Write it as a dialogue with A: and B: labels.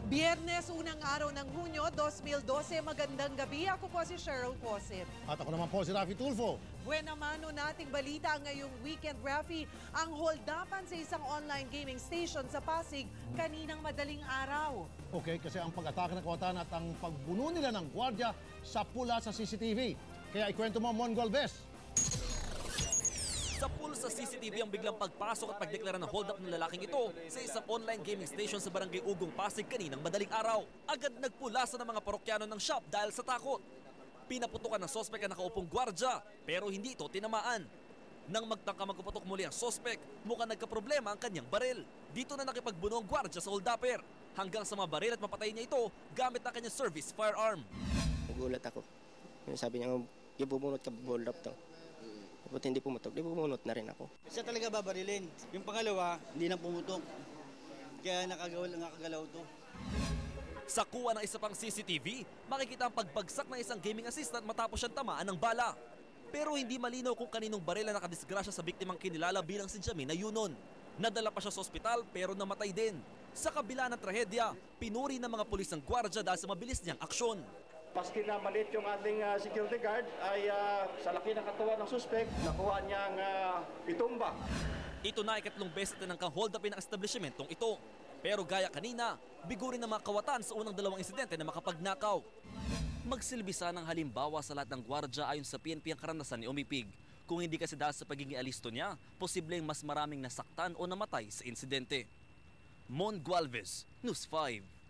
A: Biyernes, unang araw ng Hunyo, 2012. Magandang gabi. Ako po si Cheryl Posip.
B: At ako naman po si Rafi Tulfo.
A: Buena mano nating balita ngayong weekend, Rafi. Ang holdapan sa isang online gaming station sa Pasig kaninang madaling araw.
B: Okay, kasi ang pag-atake ng kawatan at ang pagbuno nila ng gwardiya sa pula sa CCTV. Kaya ikwento mo, Mon Galvez.
C: Sa pool sa CCTV ang biglang pagpasok at pagdeklara ng hold-up ng lalaking ito sa isang online gaming station sa Barangay Ugong, Pasig kaninang madaling araw. Agad nagpulasan ng mga parokyano ng shop dahil sa takot. Pinaputukan ng sospek ang nakaupong gwardya pero hindi ito tinamaan. Nang magtangka magpuputok muli ang sospek, mukhang nagkaproblema ang kanyang baril. Dito na nakipagbuno ang gwardya sa hold-upper hanggang sa mabaril at mapatay niya ito gamit ang kanyang service firearm.
D: Nagulat ako. Sabi niya, yung bumunot ka, hold up to. Buti hindi pumutok, di pumunot na rin ako.
E: Siya talaga babarilin. Yung pangalawa, hindi na pumutok. Kaya nakagalaw to.
C: Sa kuha ng isa pang CCTV, makikita ang pagbagsak ng isang gaming assistant matapos siyang tamaan ng bala. Pero hindi malinaw kung kaninong baril ang nakadisgrasya sa biktimang kinilala bilang si Jamina Yunon. Nadala pa siya sa ospital pero namatay din. Sa kabila ng trahedya, pinuri ng mga pulis ng gwardya dahil sa mabilis niyang aksyon.
F: Paski na maliit yung ating security guard ay sa laki ng katawan ng suspect, nakuha niyang itumba.
C: Ito na ikatlong beses na ng hold-upin ng establishmentong ito. Pero gaya kanina, bigo rin ng mga kawatan sa unang dalawang insidente na makapagnakaw. Magsilbi sana ng halimbawa sa lahat ng gwardya ayon sa PNP ang karanasan ni Umipig. Kung hindi kasi dahil sa pagiging alisto niya, posibleng mas maraming nasaktan o namatay sa insidente. Mon Galvez, News 5.